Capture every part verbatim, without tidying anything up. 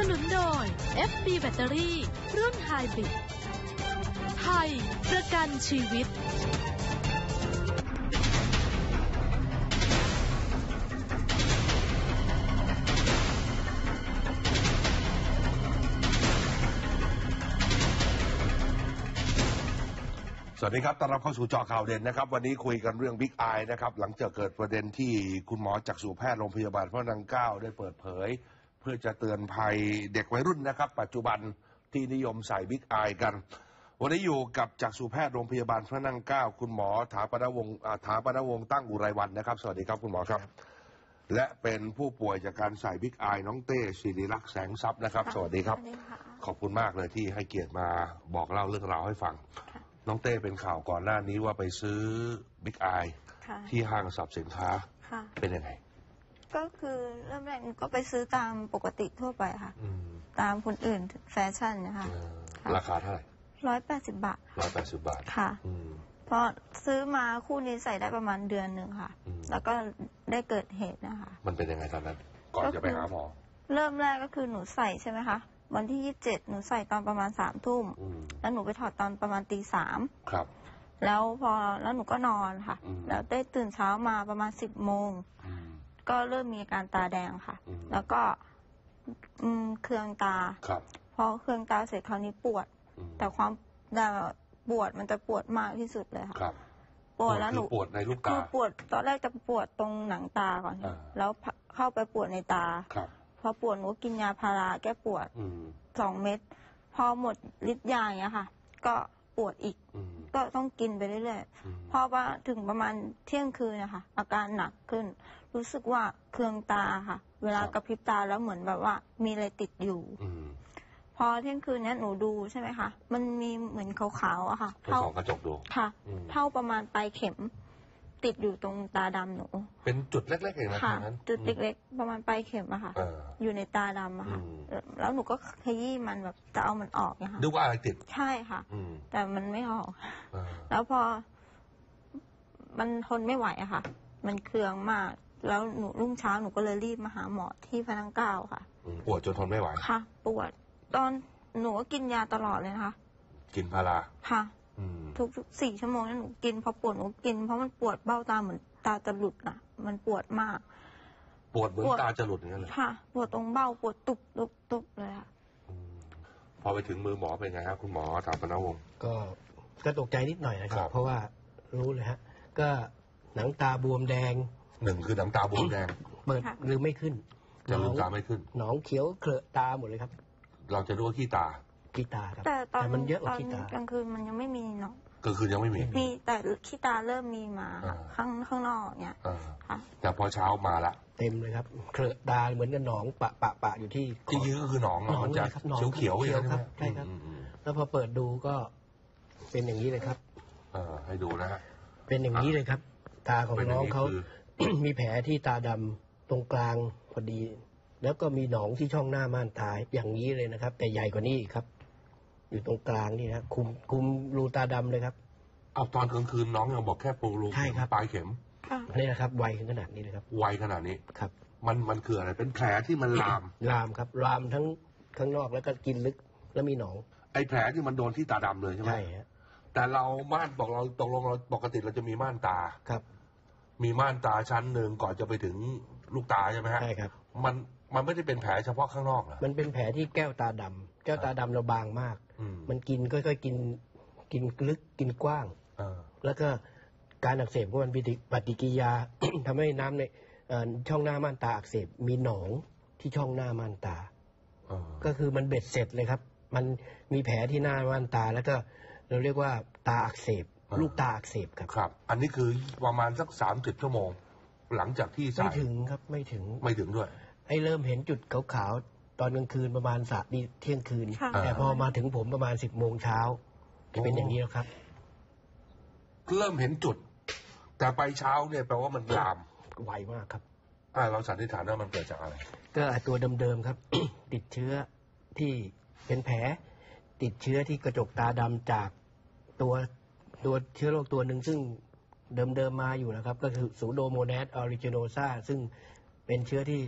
นุนโดย เอฟ บี แบตเตอรี่รุ่นไฮบริดไทยประกันชีวิตสวัสดีครับต้อนรับเข้าสู่เจาะข่าวเด่นนะครับวันนี้คุยกันเรื่องบิ๊กไอนะครับหลังจากเกิดประเด็นที่คุณหมอจักษุแพทย์โรงพยาบาลพระนั่งเกล้าได้เปิดเผยเพื่อจะเตือนภัยเด็กวัยรุ่นนะครับปัจจุบันที่นิยมใส่บิ๊กไอกันวันนี้อยู่กับจักษุแพทย์โรงพยาบาลพระนั่งเกล้าคุณหมอถาปนวงศ์ถาปนวงศ์ตั้งอุไรวรรณนะครับสวัสดีครับคุณหมอครับและเป็นผู้ป่วยจากการใส่บิ๊กไอน้องเต้ศิริลักษณ์แสงทรัพย์นะครับสวัสดีครับขอบคุณมากเลยที่ให้เกียรติมาบอกเล่าเรื่องราวให้ฟังน้องเต้เป็นข่าวก่อนหน้านี้ว่าไปซื้อบิ๊กไอที่ห้างสรรพสินค้าเป็นยังไงก็คือเริ่มแรกก็ไปซื้อตามปกติทั่วไปค่ะตามคนอื่นแฟชั่นนะคะราคาเท่าไหร่ร้อยแปดสิบบาทร้อยแปดสิบบาทค่ะพอซื้อมาคู่นี้ใส่ได้ประมาณเดือนหนึ่งค่ะแล้วก็ได้เกิดเหตุนะคะมันเป็นยังไงตอนนั้นก่อนจะไปหาหมอเริ่มแรกก็คือหนูใส่ใช่ไหมคะวันที่ยี่สิบเจ็ดหนูใส่ตอนประมาณสามทุ่มแล้วหนูไปถอดตอนประมาณตีสามครับแล้วพอแล้วหนูก็นอนค่ะแล้วได้ตื่นเช้ามาประมาณสิบโมงก็เริ่มมีอาการตาแดงค่ะแล้วก็เคืองตาพอเคืองตาเสร็จคราวนี้ปวดแต่ความปวดมันจะปวดมากที่สุดเลยค่ะปวดแล้วหนูปวดในลูกตาคือปวดตอนแรกจะปวดตรงหนังตาก่อนแล้วเข้าไปปวดในตาพอปวดหนูกินยาพาราแก้ปวดสองเม็ดพอหมดฤทธิ์ยาอย่างเงี้ยค่ะก็ปวดอีกก็ต้องกินไปเรื่อยๆพอว่าถึงประมาณเที่ยงคืนนะคะอาการหนักขึ้นรู้สึกว่าเคืองตาค่ะเวลากระพริบตาแล้วเหมือนแบบว่ามีอะไรติดอยู่พอเที่ยงคืนนี้หนูดูใช่ไหมคะมันมีเหมือนขาวๆอะค่ะเท่ากระจกดูค่ะเท่าประมาณปลายเข็มติดอยู่ตรงตาดำหนูเป็นจุดเล็กๆเองนะค่ะจุดเล็กๆประมาณปลายเข็มอะค่ะอยู่ในตาดำอะค่ะแล้วหนูก็ขยี้มันแบบจะเอามันออกนะคะดูว่าอะไรติดใช่ค่ะแต่มันไม่ออกแล้วพอมันทนไม่ไหวอะค่ะมันเคืองมากแล้วหนูรุ่งเช้าหนูก็เลยรีบมาหาหมอที่พระนั่งเกล้าค่ะปวดจนทนไม่ไหวค่ะปวดตอนหนูก็กินยาตลอดเลยนะคะกินพาราค่ะทุกสี่ชั่วโมงนั้นหนูกินพอปวดหนูกินเพราะมันปวดเบ้าตาเหมือนตาจะหลุดอ่ะมันปวดมากปวดเหมือนตาจะหลุดอย่างนั้นเลยค่ะปวดตรงเบ้าปวดตุบตุบตุบเลยค่ะพอไปถึงมือหมอเป็นไงครับคุณหมอถามปนวงศ์ก็ก็ตกใจนิดหน่อยนะครับเพราะว่ารู้เลยฮะก็หนังตาบวมแดงหนึ่งคือหนังตาบวมแดงเปิดลืมไม่ขึ้นจะลืมตาไม่ขึ้นหนองเขียวเคลอะตาหมดเลยครับเราจะรู้ว่าขี้ตาขี้ตาครับแต่ตอนมันเยอะกว่าขี้ตากลางคืนมันยังไม่มีเนาะกลางคืนยังไม่มีมีแต่ขี้ตาเริ่มมีมาข้างข้างนอกเนี่ยค่ะแต่พอเช้ามาละเต็มเลยครับเคลอะตาเหมือนกับหนองปะปะปะอยู่ที่ที่ยื้อก็คือหนองหนองจะเขียวเขียวเขียวครับใช่ครับแล้วพอเปิดดูก็เป็นอย่างนี้เลยครับเออให้ดูนะฮะเป็นอย่างนี้เลยครับตาของน้องเขามีแผลที่ตาดำตรงกลางพอดีแล้วก็มีหนองที่ช่องหน้าม่านตาอย่างนี้เลยนะครับแต่ใหญ่กว่านี้อีกครับอยู่ตรงกลางนี่นะคุมคุมรูตาดำเลยครับเอาตอนกลางคืนน้องยังบอกแค่ปูรูใช่ครับปลายเข็มนี่นะครับไวขนาดนี้เลยครับไวขนาดนี้ครับมันมันคืออะไรเป็นแผลที่มันลามลามครับลามทั้งข้างนอกแล้วก็กินลึกแล้วมีหนองไอ้แผลที่มันโดนที่ตาดำเลยใช่ไหมใช่ฮะแต่เราม่านบอกเราตกลงเราปกติเราจะมีม่านตาครับมีม่านตาชั้นหนึ่งก่อนจะไปถึงลูกตาใช่ไหมฮะใช่ครับมันมันไม่ได้เป็นแผลเฉพาะข้างนอกเหรอมันเป็นแผลที่แก้วตาดำแก้วตาดำเราบางมากมันกินค่อยๆกินกินลึกกินกว้างแล้วก็การอักเสบของมันปฏิกิริยา ทำให้น้ำในช่องหน้าม่านตาอักเสบมีหนองที่ช่องหน้าม่านตาก็คือมันเบ็ดเสร็จเลยครับมันมีแผลที่หน้าม่านตาแล้วก็เราเรียกว่าตาอักเสบลูกตาอักเสบครับครับอันนี้คือประมาณสักสามสิบชั่วโมงหลังจากที่ไม่ถึงครับไม่ถึงไม่ถึงด้วยไอ้เริ่มเห็นจุดขาวๆตอนกลางคืนประมาณสามเที่ยงคืนแต่พอมาถึงผมประมาณสิบโมงเช้าจะเป็นอย่างนี้แล้วครับเริ่มเห็นจุดแต่ไปเช้าเนี่ยแปลว่ามันลามไวมากครับอ่าเราสันนิษฐานว่ามันเกิดจากอะไรก็ตัวเดิมๆครับ ติดเชื้อที่เป็นแผลติดเชื้อที่กระจกตาดำจากตัวตัวเชื้อโรคตัวหนึ่งซึ่งเดิมๆมาอยู่นะครับก็คือซูโดโมนาสออริจิโนซาซึ่งเป็นเชื้อที่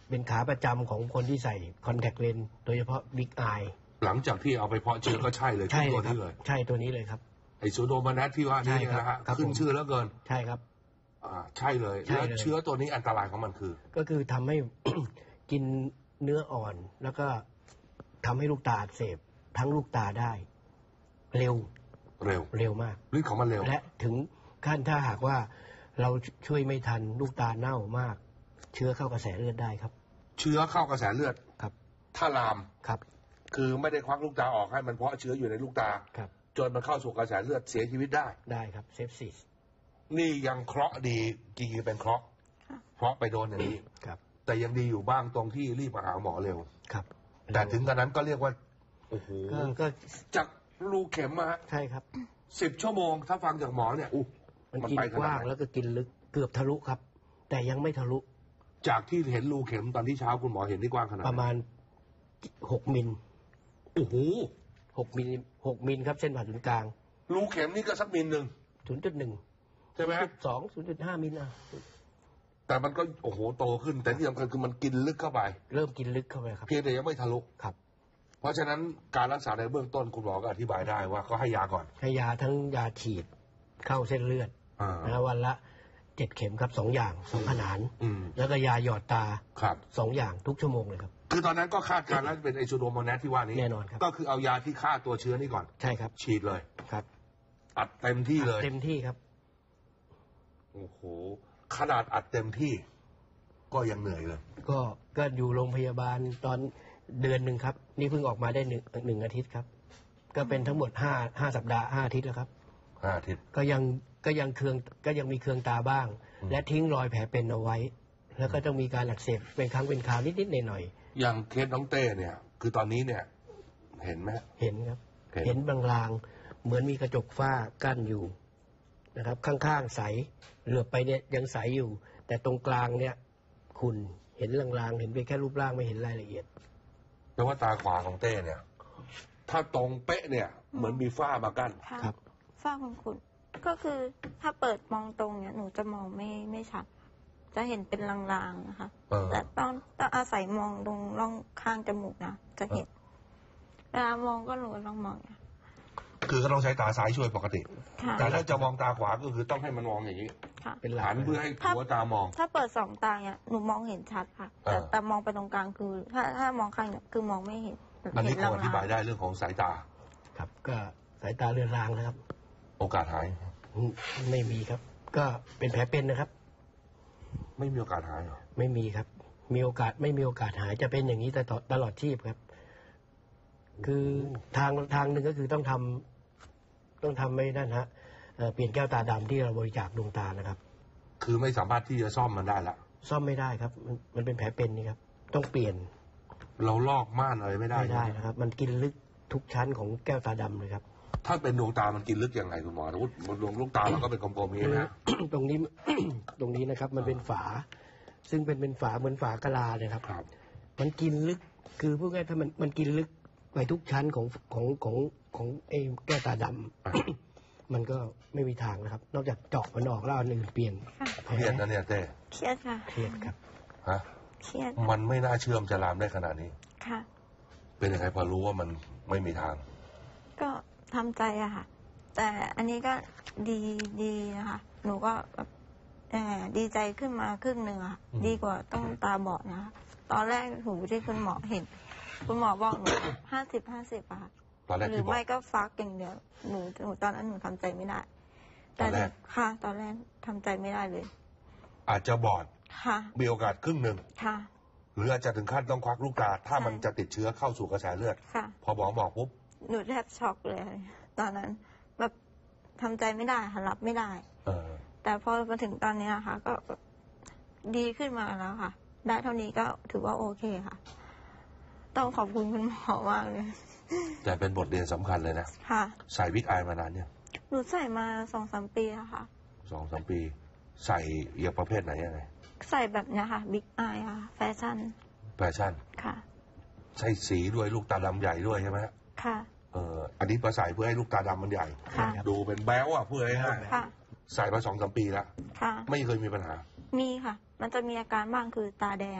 เป็นขาประจำของคนที่ใส่คอนแทคเลนส์โดยเฉพาะบิ๊กไอหลังจากที่เอาไปเพาะเชื้อก็ใช่เลยใช่ตัวเลยครับนี้เลยใช่ตัวนี้เลยครับไอซูโดมานัสที่ว่านี่ใช่ครับนะฮะครับขึ้นผมชื่อแล้วเกินใช่ครับอ่าใช่เลยใช่แล้วเลยเชื้อตัวนี้อันตรายของมันคือก็คือทำให้ กินเนื้ออ่อน แล้วก็ทำให้ลูกตาอักเสบทั้งลูกตาได้ เร็วเร็วเร็วมากฤทธิ์ของมันเร็วและถึงขั้นถ้าหากว่าเราช่วยไม่ทันลูกตาเน่ามาก เชื้อเข้ากระแสเลือดได้ครับเชื้อเข้ากระแสเลือดครับถ้าลามครับคือไม่ได้ควักลูกตาออกให้มันเพาะเชื้ออยู่ในลูกตาครับจนมันเข้าสู่กระแสเลือดเสียชีวิตได้ได้ครับเซฟซิสนี่ยังเคราะห์ดีจริงๆเป็นเคราะห์ค่ะเพราะไปโดนอย่างนี้ครับแต่ยังดีอยู่บ้างตรงที่รีบมาหาหมอเร็วครับแต่ถึงกระนั้นก็เรียกว่าโอ้โหก็ก็จากรูเข็มมาใช่ครับสิบชั่วโมงถ้าฟังจากหมอเนี่ยอู้มันมันกินไปขกนาดว้างไหนแล้วก็กินลึกเกือบทะลุครับ แต่ยังไม่ทะลุจากที่เห็นรูเข็มตอนที่เช้าคุณหมอเห็นที่กว้างขนาดไหนประมาณหกมิลโอ้โหหกมิลหกมิลครับเส้นผ่าศูนย์กลางรูเข็มนี่ก็สักมิลหนึ่งศูนย์จุดหนึ่งใช่ไหมฮะสองศูนย์จุดห้ามิลอ่ะแต่มันก็โอ้โหโตขึ้น แต่ที่สำคัญคือมันกินลึกเข้าไปเริ่มกินลึกเข้าไปครับเพียงแต่ยังไม่ทะลุครับเพราะฉะนั้นการรักษาในเบื้องต้นคุณหมอก็อธิบายได้ว่าก็ให้ยาก่อนให้ยาทั้งยาฉีดเข้าเส้นเลือดอ่านะวันละเจ็ดเข็มครับสองอย่างสองขนานอืมแล้วก็ยาหยอดตาครับสองอย่างทุกชั่วโมงเลยครับคือตอนนั้นก็คาดการณ์แล้วเป็นไอซูโดโมแนสที่ว่านี้แน่นอนครับก็คือเอายาที่ฆ่าตัวเชื้อนี่ก่อนใช่ครับฉีดเลยครับอัดเต็มที่เลยเต็มที่ครับโอ้โหขนาดอัดเต็มที่ ก็ยังเหนื่อยเลยก็ก็อยู่โรงพยาบาลตอนเดือนหนึ่งครับ นี่เพิ่งออกมาได้หนึ่งหนึ่งอาทิตย์ครับ ก็เป็นทั้งหมดห้าห้าสัปดาห์ห้าอาทิตย์แล้วครับห้าอาทิตย์ก็ยังก็ยังเคืองก็ยังมีเคืองตาบ้างอืมและทิ้งรอยแผลเป็นเอาไว้ แล้วก็ต้องมีการอักเสบเป็นครั้งเป็นคราวนิดๆหน่อยอย่างเคสน้องเต้เนี่ย คือตอนนี้เนี่ย เห็นไหมๆเห็นครับเห็นเห็นบางลางๆเหมือนมีกระจกฝ้ากั้นอยู่นะครับ ข้างๆใสเหลือบไปเนี่ยยังใสอยู่ แต่ตรงกลางเนี่ยขุ่นเห็นลางๆเห็นไปแค่รูปร่างไม่เห็นรายละเอียดแปลว่าตาขวาของเต้เนี่ย ถ้าตรงเป๊ะเนี่ย เหมือนมีฝ้ามากั้นค่ะครับฝ้าคุณคุณก็คือถ้าเปิดมองตรงเนี่ยหนูจะมองไม่ไม่ชัด จะเห็นเป็นลางๆนะคะเออแต่ตอนต้องอาศัยมองตรงร่องข้างจมูกนะจะเห็นเวลามองก็หนูก็ต้องมองอย่างเงี้ยคือก็ต้องใช้ตาซ้ายช่วยปกติค่ะแต่ถ้าจะมองตาขวาก็คือต้องให้มันมองอย่างนี้ค่ะเป็นหลักหันเพื่อให้หัวตามองถ้าเปิดสองตาเนี่ยหนูมองเห็นชัดค่ะ แต่เออแต่มองไปตรงกลางคือ ถ้าถ้ามองข้างเนี่ยคือมองไม่เห็นอันนี้เห็คงอธิบายลางได้เรื่องของสายตาครับ ก็สายตาเรือนรางนะครับโอกาสหายอืมไม่มีครับ ก็เป็นแผลเป็นนะครับไม่มีโอกาสหายเหรอไม่มีครับ มีโอกาสไม่มีโอกาสหายจะเป็นอย่างนี้ตลอดตลอดชีพครับ คือทางทางหนึ่งก็คือต้องทำต้องทำไม่นั่นฮะเอ่อเปลี่ยนแก้วตาดำที่เราบริจาคดวงตานะครับคือไม่สามารถที่จะซ่อมมันได้ละซ่อมไม่ได้ครับ มันมันเป็นแผลเป็นนี่ครับ ต้องเปลี่ยนเราลอกม่านอะไรไม่ได้ไม่ได้ใช่หมนะครับ มันกินลึกทุกชั้นของแก้วตาดำเลยครับถ้าเป็นดวงตามันกินลึกยังไงคุณหมอสมมติดวงลูกตาเราก็เป็นกลมๆอย่างนี้นะตรงนี้ ตรงนี้นะครับ มันเป็นฝา ซึ่งเป็นเป็นฝาเหมือนฝากะลาเลยครับครับมันกินลึก คือพูดง่ายๆถ้ามันมันกินลึกไปทุกชั้นของของของของไอ้แก้วตาดำอ่ะมันก็ไม่มีทางนะครับ นอกจากเจาะมันออกแล้วเอาอันอื่นเปลี่ยนเครียดนะเนี่ยเต้เครียดค่ะเครียดครับฮะเครียดมันไม่น่าเชื่อมจะลามได้ขนาดนี้ค่ะเป็นยังไงพอรู้ว่ามันไม่มีทางก็ทำใจอะค่ะ แต่อันนี้ก็ดีดีนะคะ หนูก็แบบเอ่อดีใจขึ้นมาครึ่งหนึ่งอะค่ะอืมดีกว่าต้องตาบอดนะคะ ตอนแรกหูที่คุณหมอเห็น คุณหมอบอกหนูห้าสิบห้าสิบอะค่ะตอนแรกหรืที่อบอกไม่ก็ฟักอย่างเดียว หนูหนูตอนนั้นหนูทำใจไม่ได้ตอนแรกค่ะ ตอนแรกทำใจไม่ได้เลยอาจจะบอดค่ะมีโอกาสครึ่งหนึ่งค่ะหรืออาจจะถึงขั้นต้องควักลูกตา ถ้ามันจะติดเชื้อเข้าสู่กระแสเลือดค่ะพอหมอบอกปุ๊บหนูแทบช็อกเลย ตอนนั้นแบบทำใจไม่ได้ค่ะรับไม่ได้เออแต่พอมาถึงตอนนี้นะคะ ก็แบบดีขึ้นมาแล้วค่ะ ได้เท่านี้ก็ถือว่าโอเคค่ะ ต้องขอบคุณคุณหมอมากเลยแต่เป็นบทเรียนสำคัญเลยนะค่ะใส่วิกอายมานานเนี่ยหนูใส่มาสองสามปีแล้วค่ะสองสามปี ใส่อย่างประเภทไหนยังไงใส่แบบเนี้ยค่ะบิ๊กอายค่ะ แฟชั่นแฟชั่นค่ะใส่สีด้วยลูกตาดำใหญ่ด้วยใช่ไหมฮะค่ะเอออันนี้ประใส่เพื่อให้ลูกตาดำมันใหญ่ค่ะดูเป็นแบ๊วอ่ะเพื่อให้ง่ายค่ะใส่มาสองสามปีแล้วค่ะไม่เคยมีปัญหามีค่ะ มันจะมีอาการบ้างคือตาแดง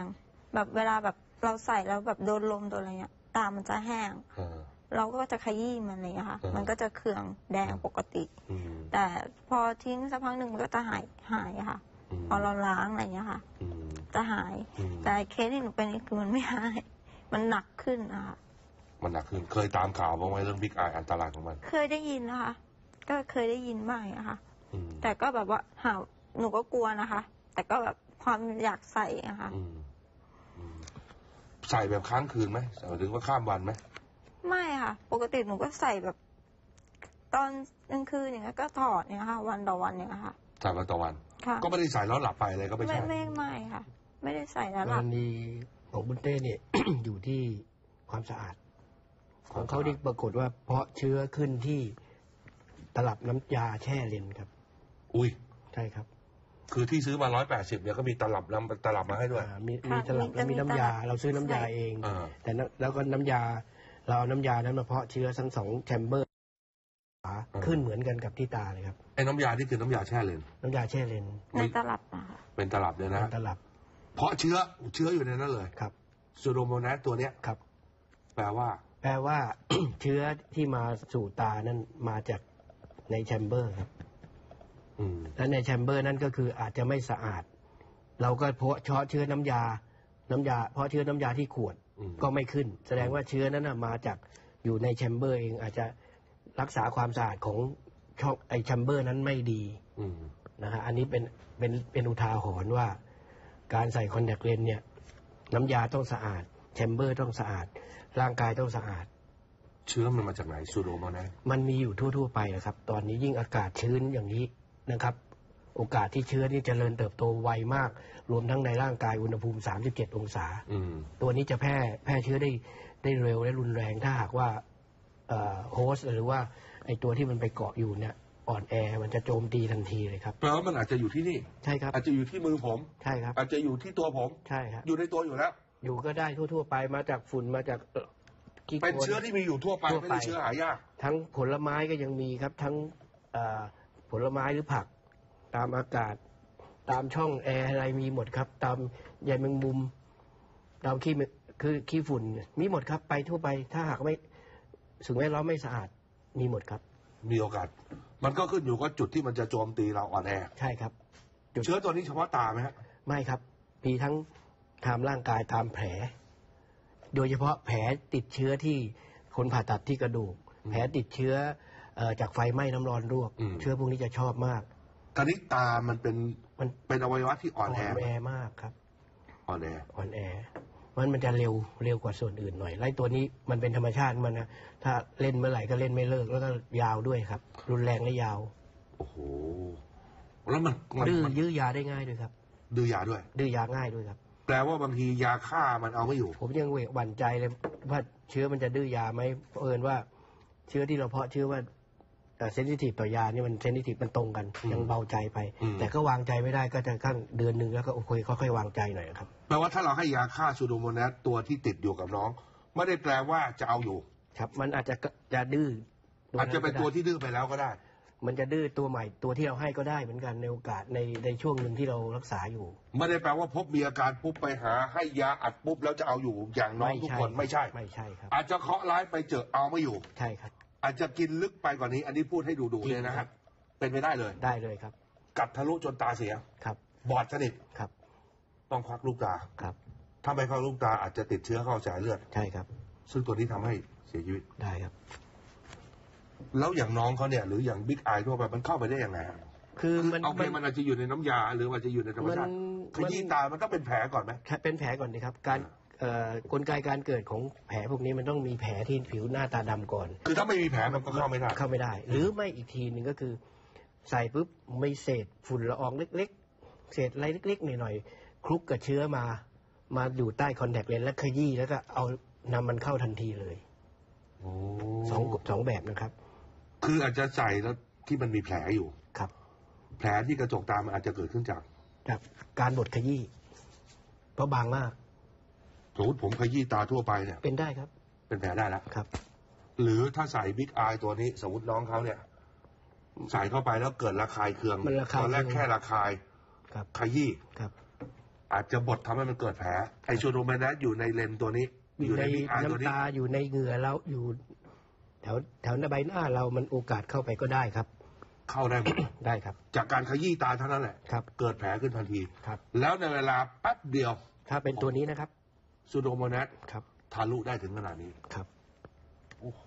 แบบเวลาแบบเราใส่แล้วแบบโดนลมโดนอะไรเงี้ยตามันจะแห้งเราก็จะขยี้มันอะไรเงี้ยค่ะมันก็จะเคืองแดงปกติแต่พอทิ้งสักพักหนึ่งมันก็จะหายหายค่ะพอเราล้างอะไรเงี้ยค่ะจะหายแต่เคสที่หนูเป็นนี่คือมันไม่หายมันหนักขึ้นนะคะมันหนักขึ้นเคยตามข่าวบ้างไหมเรื่องบิ๊กไออันตรายของมันเคยได้ยินนะคะก็เคยได้ยินบ้างนะคะแต่ก็แบบว่าหาหนูก็กลัวนะคะ แต่ก็แบบความอยากใส่นะคะใส่แบบค้างคืนไหมหมายถึงว่าข้ามวันไหมไม่ค่ะปกติหนูก็ใส่แบบตอนกลางคืนอย่างเงี้ยก็ถอดเนี่ยค่ะวันต่อวันเนี่ยค่ะใส่วันต่อวันก็ไม่ได้ใส่แล้วหลับไปอะไรก็ไม่ใช่ไม่ไม่ไม่ค่ะไม่ได้ใส่แล้วหลับกรณีของบุญเต้เนี่ย อยู่ที่ความสะอาดของเขาที่ปรากฏว่าเพราะเชื้อขึ้นที่ตลับน้ำยาแช่เลนครับอุ้ยใช่ครับคือที่ซื้อมาร้อยแปดสิบเนี่ยก็มีตลับน้ำตลับมาให้ด้วยมีมีตลับแล้วมีน้ำยาเราซื้อน้ำยาเองแต่แล้วก็น้ำยาเราเอาน้ำยานั้นมาเพาะเชื้อทั้งสองแชมเบอร์ขึ้นเหมือนกันกับที่ตาเลยครับไอ้น้ำยาที่คือน้ำยาแช่เลนน้ำยาแช่เลนในตลับนะคะเป็นตลับเลยนะตลับเพาะเชื้อเชื้ออยู่ในนั้นเลยครับซูโดโมนัสตัวเนี้ยครับแปลว่าแปลว่า เชื้อที่มาสู่ตานั้นมาจากในแชมเบอร์ครับและในแชมเบอร์นั้นก็คืออาจจะไม่สะอาดเราก็เพาะเชื้อเชื้อน้ำยาน้ำยาเพราะเชื้อน้ำยาที่ขวดก็ไม่ขึ้นแสดงว่าเชื้อนั้นมาจากอยู่ในแชมเบอร์เองอาจจะรักษาความสะอาดของช่องไอแชมเบอร์นั้นไม่ดีนะฮะอันนี้เป็นเป็นเป็นอุทาหรณ์ว่าการใส่คอนแทคเลนส์เนี่ยน้ำยาต้องสะอาดแชมเบอร์ต้องสะอาดร่างกายต้องสะอาดเชื้อมันมาจากไหนซูโดโมนัสมันมีอยู่ทั่วๆไปนะครับตอนนี้ยิ่งอากาศชื้นอย่างนี้นะครับโอกาสที่เชื้อนี่เจริญเติบโตไวมากรวมทั้งในร่างกายอุณหภูมิสามสิบเจ็ดองศาตัวนี้จะแพร่แพร่เชื้อได้ได้เร็วและรุนแรงถ้าหากว่าโฮสต์หรือว่าไอตัวที่มันไปเกาะอยู่เนี่ยอ่อนแอมันจะโจมตีทันทีเลยครับแปลว่ามันอาจจะอยู่ที่นี่ใช่ครับอาจจะอยู่ที่มือผมใช่ครับอาจจะอยู่ที่ตัวผมใช่ครับอยู่ในตัวอยู่แล้วอยู่ก็ได้ทั่วๆไปมาจากฝุ่นมาจากเป็นเชื้อที่มีอยู่ทั่วไปไม่ใช่เชื้อหายากทั้งผลไม้ก็ยังมีครับทั้งผลไม้หรือผักตามอากาศตามช่องแอร์อะไรมีหมดครับตามใยแมงมุมตามขี้คือขี้ฝุ่นมีหมดครับไปทั่วไปถ้าหากไม่สิ่งแวดล้อมไม่สะอาดมีหมดครับมีโอกาสมันก็ขึ้นอยู่กับจุดที่มันจะโจมตีเราอ่อนแอใช่ครับเชื้อตัวนี้เฉพาะตาไหมฮะไม่ครับมีทั้งตามร่างกายตามแผลโดยเฉพาะแผลติดเชื้อที่คนผ่าตัดที่กระดูกแผลติดเชื้อจากไฟไหม้น้ำร้อนลวกเชื้อพวกนี้จะชอบมากตอนนี้ตามันเป็นมันเป็นอวัยวะที่อ่อนแออ่อนแอมากครับอ่อนแออ่อนแอมันมันจะเร็วเร็วกว่าส่วนอื่นหน่อยไล่ตัวนี้มันเป็นธรรมชาติมันนะถ้าเล่นเมื่อไหร่ก็เล่นไม่เลิกแล้วก็ยาวด้วยครับรุนแรงและยาวโอ้โหแล้วมันดื้อยื้อยาได้ง่ายด้วยครับดื้อยาด้วยดื้อยาง่ายด้วยครับแปลว่าบางทียาฆ่ามันเอาไม่อยู่ผมยังหวั่นใจเลยว่าเชื้อมันจะดื้อยาไหมเอิญว่าเชื้อที่เราเพาะเชื้อว่าเซนซิทีฟต่อยานี่มันเซนซิทีฟมันตรงกันยังเบาใจไปแต่ก็วางใจไม่ได้ก็จะขั้นเดือนหนึ่งแล้วก็โอเคค่อยๆวางใจหน่อยครับแปลว่าถ้าเราให้ยาฆ่าซูโดโมนัสตัวที่ติดอยู่กับน้องไม่ได้แปลว่าจะเอาอยู่ครับมันอาจจะจะดื้ออาจจะเป็นตัวที่ดื้อไปแล้วก็ได้มันจะดื้อตัวใหม่ตัวที่เราให้ก็ได้เหมือนกันในโอกาสในในช่วงหนึ่งที่เรารักษาอยู่ไม่ได้แปลว่าพบมีอาการปุ๊บไปหาให้ยาอัดปุ๊บแล้วจะเอาอยู่อย่างน้องทุกคนไม่ใช่ไม่ใช่ครับอาจจะเคาะร้ายไปเจอเอาไม่อยู่ใช่ครับอาจจะกินลึกไปกว่านี้อันนี้พูดให้ดูดูเลยนะครับเป็นไปได้เลยได้เลยครับกัดทะลุจนตาเสียครับบอดสนิทครับต้องควักลูกตาครับถ้าไม่ควักลูกตาอาจจะติดเชื้อเข้าสายเลือดใช่ครับซึ่งตัวนี้ทำให้เสียชีวิตได้ครับแล้วอย่างน้องเขาเนี่ยหรืออย่างบิ๊กไอทั่วไปมันเข้าไปได้ยังไงคือมันเอาไปมันอาจจะอยู่ในน้ำยาหรืออาจจะอยู่ในธรรมชาติขยี้ตามันต้องเป็นแผลก่อนไหมเป็นแผลก่อนดีครับการกลไกการเกิดของแผลพวกนี้มันต้องมีแผลที่ผิวหน้าตาดำก่อนคือถ้าไม่มีแผลมันก็เข้าไม่ได้เข้าไม่ได้หรือไม่อีกทีหนึ่งก็คือใส่ปุ๊บไม่เศษฝุ่นละอองเล็กๆเศษอะไรเล็กๆหน่อยๆคลุกกับเชื้อมามาอยู่ใต้คอนแทคเลนส์แล้วขยี้แล้วก็เอานำมันเข้าทันทีเลยสองสองแบบนะครับคืออาจจะใส่แล้วที่มันมีแผลอยู่ครับแผลที่กระจกตามันอาจจะเกิดขึ้นจากจากการบดขยี้เพราะบางมากสมมติผมขยี้ตาทั่วไปเนี่ยเป็นได้ครับเป็นแผลได้แล้วครับหรือถ้าใส่บิ๊กไอตัวนี้สมมติน้องเขาเนี่ยใส่เข้าไปแล้วเกิดระคายเคืองตอนแรกแค่ระคายครับขยี้ครับอาจจะบดทำให้มันเกิดแผลไอชูโดเมนัสอยู่ในเลนตัวนี้อยู่ในน้ำตาอยู่ในเหงื่อแล้วอยู่แถวแถวใบหน้าเรามันโอกาสเข้าไปก็ได้ครับเข้าได้หมดได้ครับจากการขยี้ตาเท่านั้นแหละครับเกิดแผลขึ้นทันทีครับแล้วในเวลาแป๊บเดียวถ้าเป็นตัวนี้นะครับซูโดโมนัสครับทะลุได้ถึงขนาดนี้ครับโอ้โห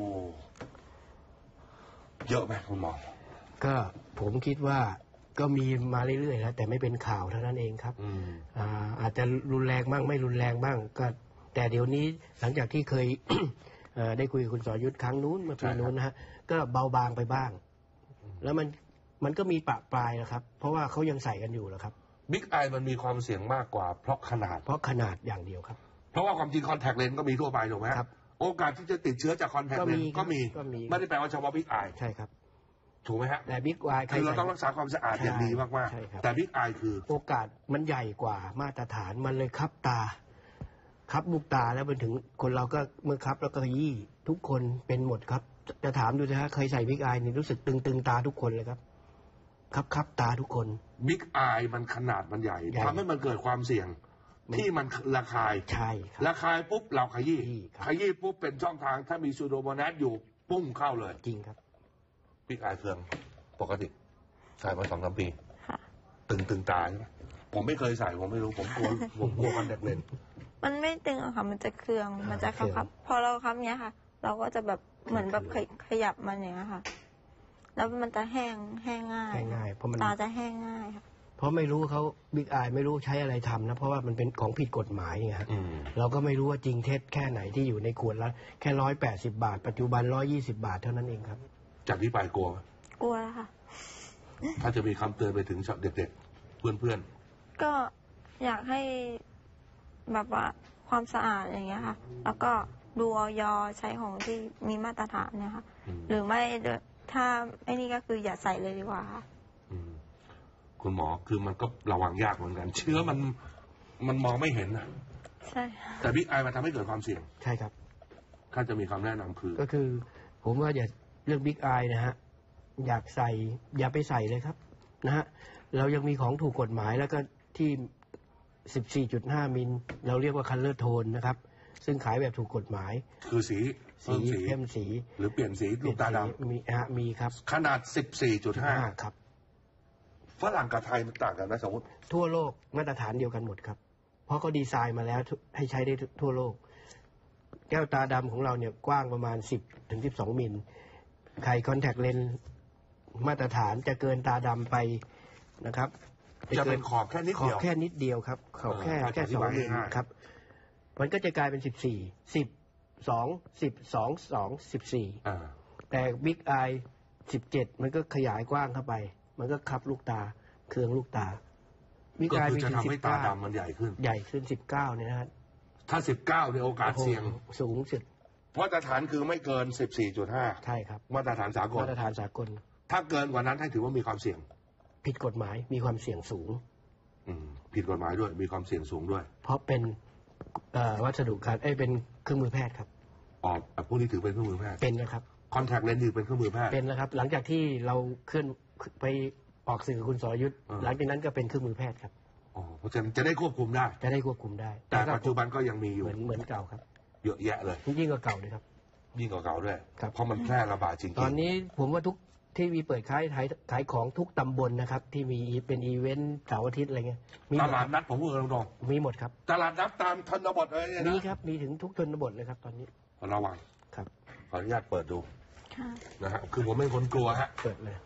เยอะไหมคุณหมอก็ผมคิดว่าก็มีมาเรื่อยๆแล้วแต่ไม่เป็นข่าวเท่านั้นเองครับอ่าอาจจะรุนแรงบ้างไม่รุนแรงบ้างก็แต่เดี๋ยวนี้หลังจากที่เคย ได้คุยกับคุณสรยุทธครั้งนู้นเมื่อปีนู้นนะฮะก็เบาบางไปบ้างแล้วมันมันก็มีปะปลายนะครับ เพราะว่าเขายังใส่กันอยู่แล้วครับบิ๊กไอมันมีความเสี่ยงมากกว่าเพราะขนาดเพราะขนาดอย่างเดียวครับเพราะว่าความจริงคอนแทคเลนส์ก็มีทั่วไปถูกไหมครับโอกาสที่จะติดเชื้อจากคอนแทคเลนส์ก็มีไม่ได้แปลว่าเฉพาะบิ๊กไอใช่ครับถูกไหมฮะแต่บิ๊กไอคือเราต้องรักษาความสะอาดอย่างดีมากๆแต่บิ๊กไอคือโอกาสมันใหญ่กว่ามาตรฐานมันเลยคับตาคับลูกตาแล้วไปถึงคนเราก็เมื่อคับแล้วก็ยี่ทุกคนเป็นหมดครับจะถามดูนะฮะเคยใส่บิ๊กไอนี่รู้สึกตึงตึงตาทุกคนเลยครับคับคับตาทุกคนบิ๊กไอมันขนาดมันใหญ่ทำให้มันเกิดความเสี่ยงที่มันระคายใช่ระคายปุ๊บเราขยี้ขยี้ปุ๊บเป็นช่องทางถ้ามีซูโดโมนัสอยู่ปุ้งเข้าเลยจริงครับบิ๊กไอเครื่องปกติใส่มาสองสามปีตึงตึงตาใช่ไหมผมไม่เคยใส่ผมไม่รู้ผมกลัวผมกลัวคอนแทคเลนส์มันไม่ตึงอะค่ะมันจะเครืองมันจะครับพอเราครับเนี้ยค่ะ เราก็จะแบบเหมือนแบบขยับมันอย่างเงี้ยค่ะแล้วมันจะแห้งแห้งง่ายแห้งง่ายเพราะมันตาจะแห้งง่ายค่ะเพราะไม่รู้เขาบิ๊กไอไม่รู้ใช้อะไรทำนะเพราะว่ามันเป็นของผิดกฎหมายไงครับเราก็ไม่รู้ว่าจริงเท็จแค่ไหนที่อยู่ในขวดละแค่ร้อยแปดสิบบาทปัจจุบันร้อยยี่สิบบาทเท่านั้นเองครับจากที่ไปกลัวกลัวค่ะถ้าจะมีคำเตือนไปถึงเด็กๆเพื่อนๆก็อยากให้แบบว่าความสะอาดอย่างเงี้ยค่ะแล้วก็ดูออยใช้ของที่มีมาตรฐานเนี่ยค่ะหรือไม่ถ้าไอ้นี่ก็คืออย่าใส่เลยดีกว่าค่ะคุณหมอคือมันก็ระวังยากเหมือนกันเชื้อมันมันมองไม่เห็นนะใช่แต่บิ๊กไอมันทำให้เกิดความเสี่ยงใช่ครับถ้าจะมีคำแนะนำคือก็คือผมว่าอย่าเรื่องบิ๊กไอนะฮะอยากใส่อย่าไปใส่เลยครับนะฮะเรายังมีของถูกกฎหมายแล้วก็ที่ สิบสี่จุดห้า มิลเราเรียกว่าคัลเลอร์โทนนะครับซึ่งขายแบบถูกกฎหมายคือสีสีเข้มสีหรือเปลี่ยนสีลูกตาดำมีฮะมีครับขนาด สิบสี่จุดห้าครับฝรั่งกับไทยมันต่างกันนะสมมติทั่วโลกมาตรฐานเดียวกันหมดครับเพราะเขาดีไซน์มาแล้วให้ใช้ได้ทั่วโลกแก้วตาดำของเราเนี่ยกว้างประมาณสิบถึงสิบสองมิลไขคอนแทคเลนส์มาตรฐานจะเกินตาดำไปนะครับจะเป็นขอบแค่นิดเดียวขอบแค่นิดเดียวครับขอบแค่แค่สองมิลครับมันก็จะกลายเป็นสิบสี่สิบสองสิบสองสองสิบสี่แต่บิ๊กไอสิบเจ็ดมันก็ขยายกว้างเข้าไปมันก็คับลูกตาเครืองลูกตาบิ๊กไอมีถึงสิบเก้าตาดำมันใหญ่ขึ้นใหญ่ขึ้นสิบเก้าเนี่ยนะฮะถ้าสิบเก้าในโอกาสเสี่ยงสูงสุดมาตรฐานคือไม่เกินสิบสี่จุดห้าใช่ครับมาตรฐานสากลมาตรฐานสากลถ้าเกินกว่านั้นให้ถือว่ามีความเสี่ยงผิดกฎหมายมีความเสี่ยงสูงผิดกฎหมายด้วยมีความเสี่ยงสูงด้วยเพราะเป็นวัสดุการเอ้เป็นเครื่องมือแพทย์ครับอ๋อพวกนี้ถือเป็นเครื่องมือแพทย์เป็นนะครับคอนแทคเลนส์ถือเป็นเครื่องมือแพทย์เป็นนะครับหลังจากที่เราเคลื่อนไปออกสื่อคุณสรยุทธ์หลังจากนั้นก็เป็นเครื่องมือแพทย์ครับอ๋อเพราะฉะนั้นจะได้ควบคุมได้จะได้ควบคุมได้แต่ปัจจุบันก็ยังมีอยู่เหมือนเหมือนเก่าครับเยอะแยะเลยยิ่งกว่าเก่าเลยครับยิ่งกว่าเก่าด้วยเพราะมันแพร่ระบาดจริงๆตอนนี้ผมว่าทุกที่มีเปิดขายขายขายของทุกตำบลนะครับที่มีเป็นอีเวนต์เสาร์อาทิตย์อะไรเงี้ยตลาดนัดผมพูดตรงๆมีหมดครับตลาดนัดตามชนบทอะไรเนี่ยมีครับมีถึงทุกชนบทเลยครับตอนนี้ระวังครับขออนุญาตเปิดดูนะฮะคือผมเป็นคนกลัวฮะเปิดเลย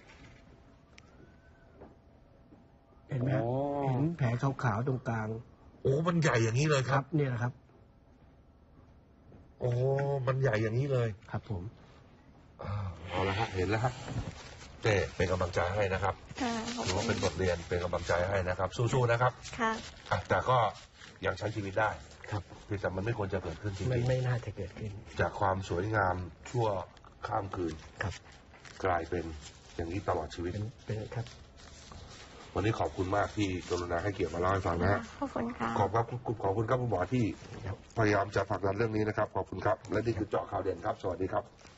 เห็นไหมเห็นแผลขาวๆตรงกลางโอ้มันใหญ่อย่างนี้เลยครับเนี่ยนะครับโอ้มันใหญ่อย่างนี้เลยครับผมเอาละฮะเห็นแล้วครับเต้เป็นกำลังใจให้นะครับถือว่าเป็นบทเรียนเป็นกำลังใจให้นะครับสู้ๆนะครับค่ะแต่ก็ยังใช้ชีวิตได้ครับแต่มันไม่ควรจะเกิดขึ้นจริงๆมันไม่น่าจะเกิดขึ้นจากความสวยงามชั่วข้ามคืนครับกลายเป็นอย่างนี้ตลอดชีวิตเป็นครับวันนี้ขอบคุณมากที่กรุณาให้เกียรติมาเล่าให้ฟังนะฮะขอบคุณค่ะขอบครับขอบคุณครับคุณหมอที่พยายามจะผลักดันเรื่องนี้นะครับขอบคุณครับและนี่คือเจาะข่าวเด่นครับสวัสดีครับ